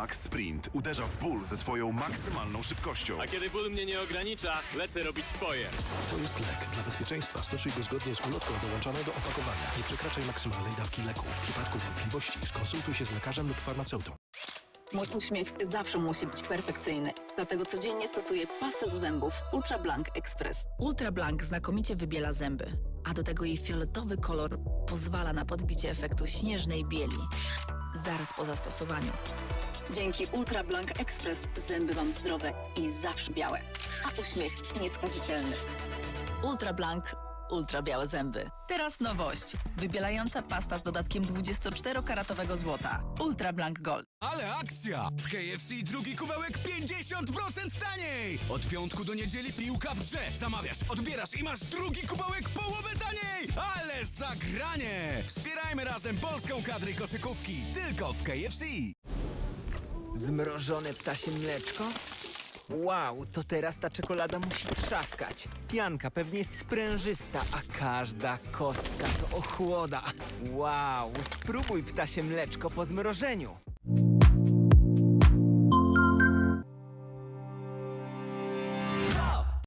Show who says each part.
Speaker 1: Max Sprint uderza w ból ze swoją maksymalną szybkością.
Speaker 2: A kiedy ból mnie nie ogranicza, lecę robić swoje.
Speaker 3: To jest lek. Dla bezpieczeństwa stosuj go zgodnie z ulotką dołączoną do opakowania. Nie przekraczaj maksymalnej dawki leku. W przypadku wątpliwości skonsultuj się z lekarzem lub farmaceutą.
Speaker 4: Mój uśmiech zawsze musi być perfekcyjny. Dlatego codziennie stosuję pastę do zębów Ultra Blank Express. Ultra Blank znakomicie wybiela zęby, a do tego jej fioletowy kolor pozwala na podbicie efektu śnieżnej bieli zaraz po zastosowaniu. Dzięki Ultra Blank Express zęby mam zdrowe i zawsze białe, a uśmiech nieskazitelny. Ultra Blank, ultra białe zęby. Teraz nowość. Wybielająca pasta z dodatkiem 24-karatowego złota. Ultra Blank Gold.
Speaker 5: Ale akcja! W KFC drugi kubełek 50% taniej! Od piątku do niedzieli piłka w grze. Zamawiasz, odbierasz i masz drugi kubełek połowę taniej! Ależ zagranie! Wspierajmy razem polską kadrę koszykówki. Tylko w KFC.
Speaker 6: Zmrożone ptasie mleczko? Wow, to teraz ta czekolada musi trzaskać. Pianka pewnie jest sprężysta, a każda kostka to ochłoda. Wow, spróbuj ptasie mleczko po zmrożeniu.